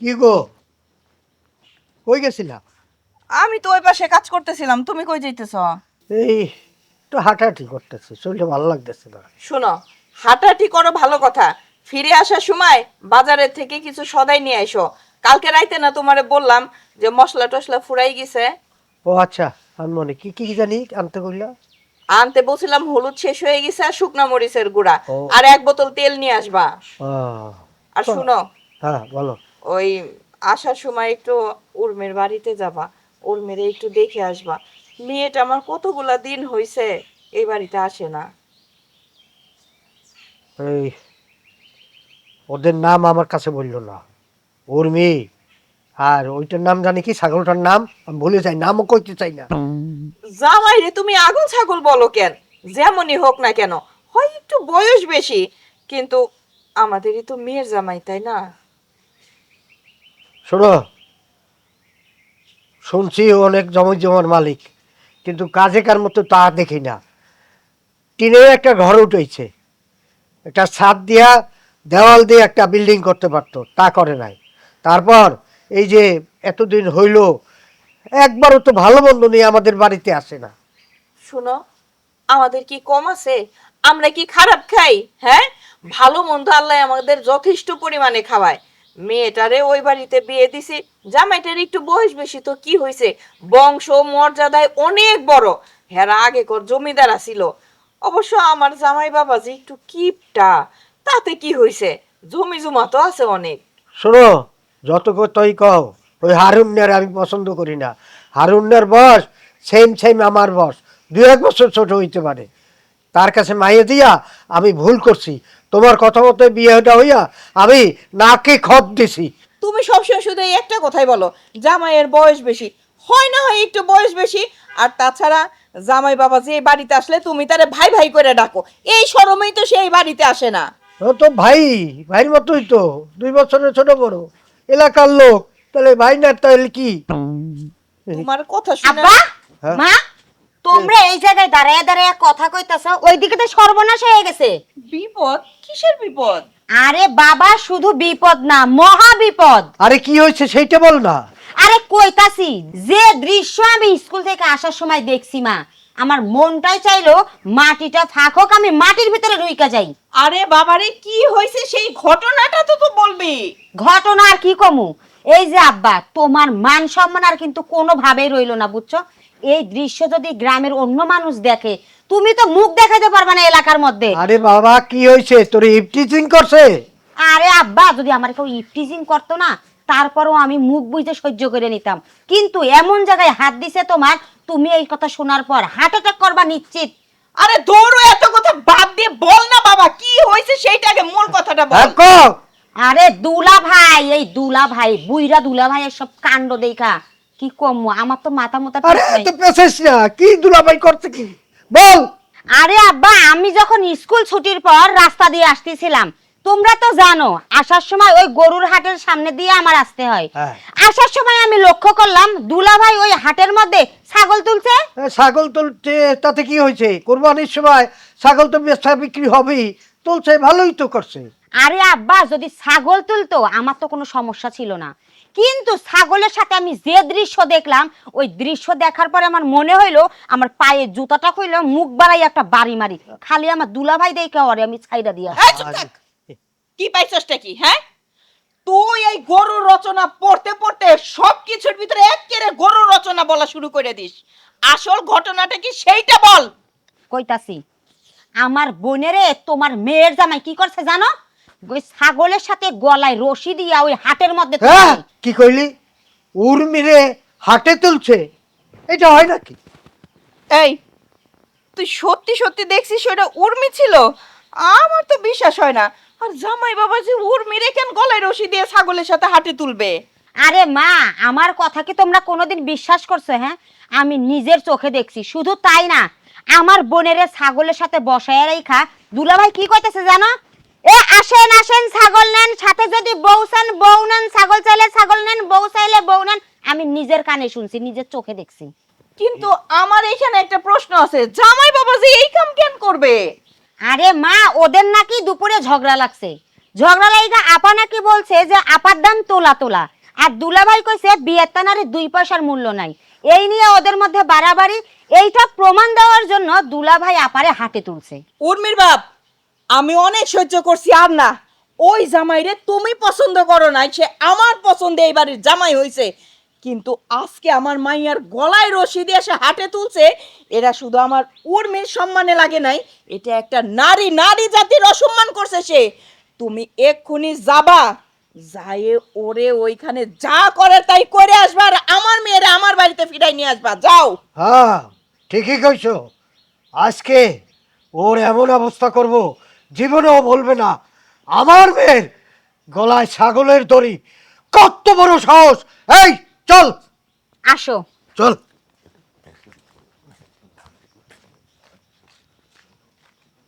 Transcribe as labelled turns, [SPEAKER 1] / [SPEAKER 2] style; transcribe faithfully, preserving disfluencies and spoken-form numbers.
[SPEAKER 1] কি গো, কই গেছিলা?
[SPEAKER 2] আমি তো ওই পাশে কাজ করতেছিলাম, তুমি কই যাইতেছ?
[SPEAKER 1] এই একটু হাঁটাহাঁটি করতেছি, শরীরটা ভালো লাগতেছে না।
[SPEAKER 2] শোনো, হাঁটাহাঁটি করো ভালো কথা, ফিরে আসার সময় বাজারের থেকে কিছু সদাই নিয়ে আইসো। কালকে রাইতে না তোমারে বললাম যে মশলা টশলা ফুরাই গেছে।
[SPEAKER 1] ও আচ্ছা, আমি মনে কি কি জানি আনতে কইলা।
[SPEAKER 2] আনতে বলছিলাম হলুদ শেষ হয়ে গেছে আর শুকনা মরিচের গুঁড়া,
[SPEAKER 1] ও
[SPEAKER 2] আর এক বোতল তেল নিয়ে আসবা।
[SPEAKER 1] আহ,
[SPEAKER 2] আর শুনো,
[SPEAKER 1] হ্যাঁ বলো।
[SPEAKER 2] ওই আসার সময় একটু উর্মির বাড়িতে যাবা, উর্মিরে একটু দেখে আসবা। মেয়েটা আমার কতগুলা দিন হইছে এই বাড়িতে আসে না।
[SPEAKER 1] এই ওদের নাম আমার কাছে বললো না, উর্মি। আর ওইটার নাম জানি কি, ছাগলটার নাম আমি ভুলে যাই, নামও কইতে চাই না।
[SPEAKER 2] জামাই রে তুমি আগুন ছাগল বলো কেন? যেমনই হোক না কেন, হয় একটু বয়স বেশি, কিন্তু আমাদেরই তো মেয়ের জামাই, তাই না?
[SPEAKER 1] শোনো, শুনছি ও অনেক জমি জমার মালিক, কিন্তু কাজে কার মতো তা দেখি না। টিনের একটা ঘর উঠেছে, একটা ছাদ দিয়া দেওয়াল দিয়ে একটা বিল্ডিং করতে পারতো, তা করে নাই। তারপর এই যে এতদিন হইল, একবারও তো ভালো মন্দ নিয়ে আমাদের বাড়িতে আসে না।
[SPEAKER 2] শুনো, আমাদের কি কম আছে? আমরা কি খারাপ খাই? হ্যাঁ, ভালো মন্দ আল্লাহ আমাদের যথেষ্ট পরিমাণে খাওয়ায়। মেয়েটারে ওই বাড়িতে বিয়ে দিছি, জামাইটার একটু বয়স বেশি তো কি হয়েছে, বংশ মর্যাদায় অনেক বড়, হেরা আগে কর জমিদার ছিল। অবশ্য আমার জামাই বাবা যে একটু কিপটা, তাতে কি হয়েছে, জমি জমা তো আছে অনেক।
[SPEAKER 1] শোনো, যত তই কও, ওই হারুন্যার আমি পছন্দ করি না। হারুন্যার বয়স সেম সেম আমার বয়স, দু এক বছর ছোট হইতে পারে। তার কাছে মাইয়ে দিয়া আমি ভুল করছি, তোমার কথা মতো বিয়েটা হইয়া আমি নাকে খত দিছি।
[SPEAKER 2] তুমি সবসময় শুধু এই একটা কথাই বলো, জামাইয়ের বয়স বেশি। হয় না হয় একটু বয়স বেশি, আর তাছাড়া জামাই বাবা যে এই বাড়িতে আসলে তুমি তারে ভাই ভাই করে ডাকো, এই শরমেই তো সেই বাড়িতে আসে না।
[SPEAKER 1] ও তো ভাই, ভাইয়ের মতোই তো, দুই বছরের ছোট বড়, এলাকার লোক। তাহলে ভাই না তাহলে কি?
[SPEAKER 2] তোমার কথা শুনে
[SPEAKER 3] আব্বা,
[SPEAKER 1] হ্যাঁ?
[SPEAKER 3] মা, তোমরা এই জায়গায় দাঁড়ায় দাঁড়ায় কথা কইতাছ, ওইদিকে তো সর্বনাশ হয়ে গেছে।
[SPEAKER 2] বিপদ? কিসের বিপদ?
[SPEAKER 3] আরে বাবা, শুধু বিপদ না, মহা বিপদ।
[SPEAKER 1] আরে কি হয়েছে সেইটা বল না।
[SPEAKER 3] আরে কইতাছি, যে দৃশ্য আমি স্কুল থেকে আসার সময় দেখছি মা, আমার মনটাই চাইলো মাটিটা ফাঁক হোক, আমি মাটির ভিতরে ঢুইকা যাই।
[SPEAKER 2] আরে বাবারে, কি হয়েছে সেই ঘটনাটা তো তো বলবি।
[SPEAKER 3] ঘটনা আর কি কমু, এই যে আব্বা, তোমার মান সম্মান আর কিন্তু কোনোভাবেই রইলো না, বুঝছো? এই দৃশ্য যদি গ্রামের অন্য মানুষ দেখে, তুমি তো মুখ দেখাতে পারবা না এলাকার মধ্যে।
[SPEAKER 1] আরে বাবা, কি হয়েছে? তোর ইফটিজিং করছে?
[SPEAKER 3] আরে আব্বা, যদি আমার কেউ ইফটিজিং করতো না, তারপরও আমি মুখ বুঝে সহ্য করে নিতাম, কিন্তু এমন জায়গায় হাত দিছে তোমার, তুমি এই কথা শোনার পর হার্ট অ্যাটাক করবা নিশ্চিত।
[SPEAKER 2] আরে দৌড়ো, এত কথা বাদ দিয়ে বল না বাবা, কি হয়েছে সেইটা আগে মূল কথাটা বল।
[SPEAKER 1] হ্যাঁ কও।
[SPEAKER 3] আরে দুলা ভাই, এই দুলা ভাই, বুইরা দুলা ভাই, সব কাণ্ড দেখা কি কম, আমার তো মাথা মোতা ঠিক
[SPEAKER 1] আরে
[SPEAKER 3] নাই।
[SPEAKER 1] তো পেছিস না, কি দুলাভাই করছে কি বল।
[SPEAKER 3] আরে আব্বা, আমি যখন স্কুল ছুটির পর রাস্তা দিয়ে আসতেছিলাম, তোমরা তো জানো আসার সময় ওই গরুর হাটের সামনে দিয়ে আমার আসতে হয়।
[SPEAKER 1] হ্যাঁ।
[SPEAKER 3] আসার সময় আমি লক্ষ্য করলাম দুলাভাই ওই হাটের মধ্যে ছাগল তুলছে।
[SPEAKER 1] এ, ছাগল তুলছে তাতে কি হয়েছে? কোরবানির সময় ছাগল তো বেচা বিক্রি হবেই, তুলছে, ভালোই তো করছে।
[SPEAKER 3] আরে আব্বা, যদি ছাগল তুলতো আমার তো কোনো সমস্যা ছিল না, কিন্তু ছাগলের সাথে আমি যে দৃশ্য দেখলাম, ওই দৃশ্য দেখার পরে আমার মনে হইলো আমার পায়ে জুতাটা খুইলো মুখ বাড়াই একটা বাড়ি মারি, খালি আমার দুলাভাই দেখে ওরে আমি ছাইড়া দিয়া।
[SPEAKER 2] এই চুপ থাক। কি পাইছসটা কি? হ্যাঁ, তুই এই গরুর রচনা পড়তে পড়তে সবকিছুর ভিতরে একেবারে গরুর রচনা বলা শুরু করে দিস। আসল ঘটনাটা কি সেইটা বল।
[SPEAKER 3] কইতাছি, আমার বোনেরে তোমার মেয়ের জামাই কি করছে জানো? ওই ছাগলের সাথে গলায় রশি দিয়া ওই হাটের মধ্যে
[SPEAKER 1] হ্যাঁ,
[SPEAKER 3] তুলছে।
[SPEAKER 1] কি কইলি? উর্মিরে হাটে তুলছে? এটা হয় নাকি?
[SPEAKER 2] এই, তুই সত্যি সত্যি দেখছিস ওটা উর্মি ছিল? আমার তো বিশ্বাস হয় না। আর জামাই বাবা যে উর্মিরে কেন গলায় রশি দিয়ে ছাগলের সাথে হাটে তুলবে?
[SPEAKER 3] আরে মা, আমার কথা কি তোমরা কোনোদিন বিশ্বাস করছো? হ্যাঁ, আমি নিজের চোখে দেখছি। শুধু তাই না, আমার বোনেরে ছাগলের সাথে বসায় রাইখা দুলাভাই কি কইতেছে জানো? এ আসেন আসেন, ছাগল নেন, সাথে যদি বউ চান বউ নেন, ছাগল চাইলে ছাগল নেন, বউ চাইলে বউ নেন। আমি নিজের কানে শুনছি, নিজের চোখে দেখছি।
[SPEAKER 2] কিন্তু আমার এখানে একটা প্রশ্ন আছে, জামাই বাবা যে এই কাম কেন করবে?
[SPEAKER 3] আরে মা, ওদের নাকি দুপুরে ঝগড়া লাগছে, ঝগড়া লাইগা আপা নাকি বলছে যে আপার দাম তোলা তোলা, আর দুলাভাই কইছে বিয়ের তানারে দুই পয়সার মূল্য নাই। এই নিয়ে ওদের মধ্যে বাড়াবাড়ি। এইটা প্রমাণ দেওয়ার জন্য দুলাভাই আপারে হাতে তুলছে।
[SPEAKER 2] উর্মির বাপ, আমি অনেক সহ্য করছি আর না। ওই জামাইরে তুমি পছন্দ করো নাই, সে আমার পছন্দে এই বাড়ির জামাই হয়েছে, কিন্তু আজকে আমার মাইয়ার গলায় রশি দিয়ে সে হাটে তুলছে। এরা শুধু আমার উর্মির সম্মানে লাগে নাই, এটা একটা নারী নারী জাতির অসম্মান করছে সে। তুমি এক্ষুনি যাবা, যায়ে ওরে ওইখানে যা করে তাই করে আসবা, আর আমার মেয়েরা আমার বাড়িতে ফিরাই নিয়ে আসবা। যাও।
[SPEAKER 1] হ্যাঁ ঠিকই কইছো, আজকে ওর এমন অবস্থা করব জীবনেও বলবে না আমার মেয়ের গলায় ছাগলের দড়ি। কত বড় সাহস! এই চল
[SPEAKER 3] আসো।
[SPEAKER 1] চল।